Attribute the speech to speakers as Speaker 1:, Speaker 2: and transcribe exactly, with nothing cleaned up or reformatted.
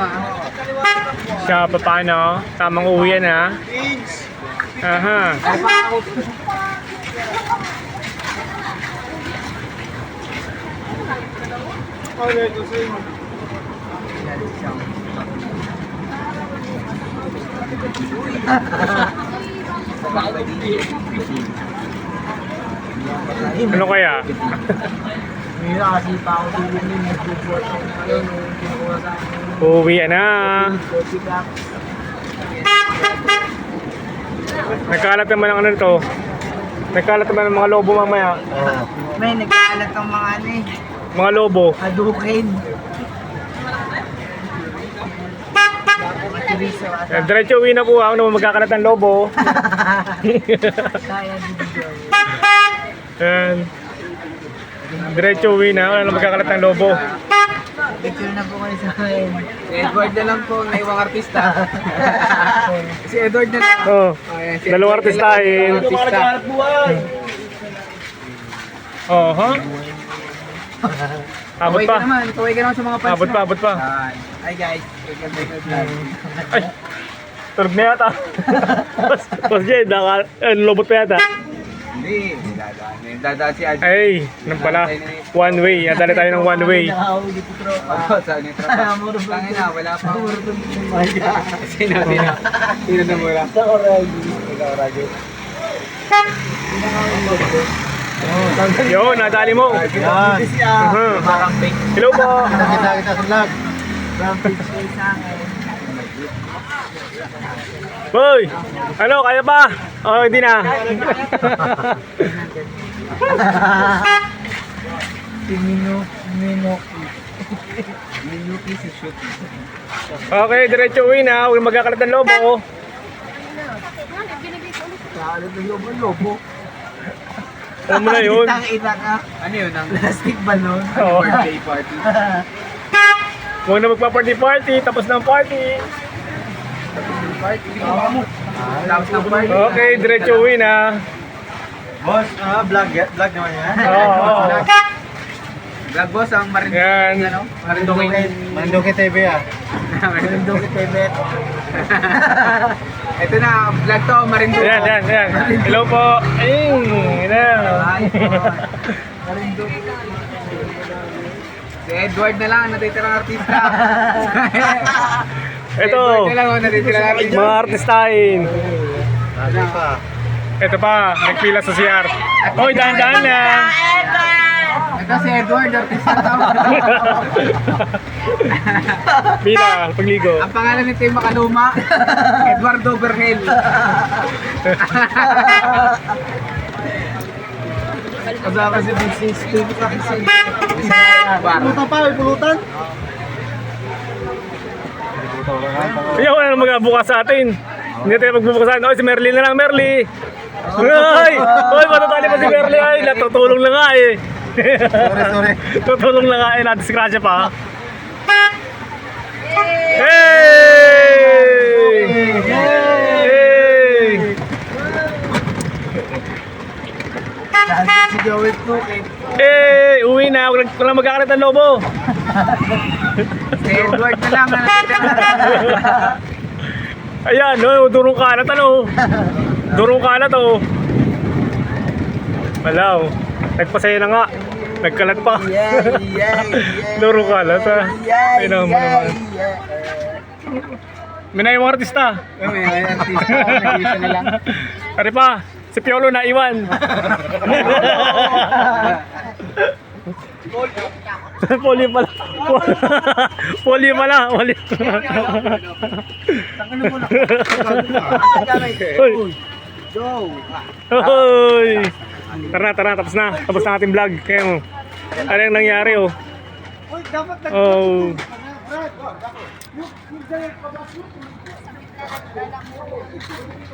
Speaker 1: Siya, paano? Tamang uwi yan, ha? Aha. Ano kaya?
Speaker 2: Mira kasi pa ako dito yung nag-report ako ngayon nung kinuha sa akin.
Speaker 1: Uwi na. Nagkalat naman ang ano nito. Nagkalat naman ang mga lobo mamaya.
Speaker 2: May nagkaalat ang mga ano eh.
Speaker 1: Mga lobo.
Speaker 2: Hadukin.
Speaker 1: Eh, diretso uwi na po ako naman magkakalat ng lobo.
Speaker 2: Kaya dito.
Speaker 1: Yan. Diretso uwi na, wala na magkakalat ng lobo.
Speaker 2: Picture na po kayo sa akin.
Speaker 3: Si Edward na lang po, naiwang artista. Si Edward na lang.
Speaker 1: Oh,
Speaker 3: Ayan, si
Speaker 1: dalawang
Speaker 3: Edward na lang,
Speaker 1: artistahin.
Speaker 3: dalawang artista.
Speaker 1: Oh, ha? Abot
Speaker 3: Kaway
Speaker 1: pa.
Speaker 3: ka naman, kaway ka naman sa mga fans
Speaker 1: Abot
Speaker 3: mo.
Speaker 1: pa, abot pa.
Speaker 3: Ayan. Hi guys, welcome back to the vlog.
Speaker 1: Ay, tulog na yata. Boss, Boss Jay, naka, eh, lobot pa yata.
Speaker 3: Hindi, dadaan. Dadaan si Adjo.
Speaker 1: Ay, nang pala. One way. Nadali tayo ng one way.
Speaker 2: Nakahuli po tropa.
Speaker 3: Oh, saan yung tropa? Tangin na, wala pa. Sino, sino? Sino na mula?
Speaker 2: Sa Oragi.
Speaker 3: Ikaw, Radyo.
Speaker 1: Yo, nadali mo.
Speaker 2: Yan.
Speaker 1: Uh-huh.
Speaker 3: Parang fake.
Speaker 1: Hello po.
Speaker 2: Kita kita sa vlog. From picture sa akin.
Speaker 1: Boy, ano, kaya pa? Oh, hindi na.
Speaker 2: Si Mino, Minoki.
Speaker 3: Minuki si shoot.
Speaker 1: Okay, diretso uwi na. Huwag magkakalat ng lobo.
Speaker 2: Kaalit ng lobo, lobo.
Speaker 1: Alam mo na yun.
Speaker 2: Kitang ina ka.
Speaker 3: Ano yun? Ang
Speaker 2: Plastic balloon.
Speaker 1: Oo.
Speaker 3: birthday party.
Speaker 1: Huwag na magpa-party-party. Tapos ng party.
Speaker 3: Party. Tapos ng party.
Speaker 1: Okay, diretso uwi na.
Speaker 2: Boss, ah, vlog, vlog naman yan.
Speaker 1: Oo, oo.
Speaker 3: Vlog boss, ang Marinduque.
Speaker 1: Yan.
Speaker 3: Ano? Marinduque.
Speaker 2: Marinduque T V ah. Marinduque T V.
Speaker 3: Ito na, vlog to, Marinduque.
Speaker 1: Yan, yan, yan. Hello po. Ayun. Yan.
Speaker 3: Ay, Marinduque. Si Edward na lang, ang natitirang artista. Si
Speaker 1: Ito.
Speaker 3: Edward na lang, ang natitirang artista.
Speaker 1: Mga artistahin.
Speaker 2: Ano pa?
Speaker 1: Ito pa, nagpila sa C R. Hoy, dahan-dahan lang.
Speaker 3: Ito si Edward, artista to.
Speaker 1: Pila, pagligo.
Speaker 3: Ang pangalan nito yung makaluma, Eduardo Berhel.
Speaker 2: Kasama si Business Steve kasi.
Speaker 3: Bar.
Speaker 2: Pulutan pa, may pulutan.
Speaker 1: Ayaw, wala nang magbukas sa atin. Hindi tayo magbubukasan. Oy, si Merly na lang, Merly. Ay! Oy, matatali pa si Merly. Ay, natutulong na nga eh.
Speaker 2: Sorry, sorry.
Speaker 1: Tutulong na nga eh. Nadisgrasya pa. Hey! Hey!
Speaker 2: Si Joey po kay
Speaker 1: Hey! Uwi na. Wala wala magkakalat ng lobo.
Speaker 3: Si Edward na lang, ang natitirang.
Speaker 1: Ayan, no, durong kalat ano. Durong kalat oh. Wala oh. Nagpasaya na nga. Nagkalat pa.
Speaker 2: yeah, yeah, yeah.
Speaker 1: Durong kalat ah.
Speaker 2: Yeah,
Speaker 1: Ay naman naman.
Speaker 2: yeah.
Speaker 1: Minay yung artista.
Speaker 3: May artista, nag-isa na lang.
Speaker 1: Pare pa, si Piolo na iwan. Poli pala. Poli pala. Poli. Hoy.
Speaker 2: Go.
Speaker 1: Hoy. Tara na, tara na. Tapos na. Tapos na ating vlog. Kaya mo. Ano yung nangyari oh. Oh.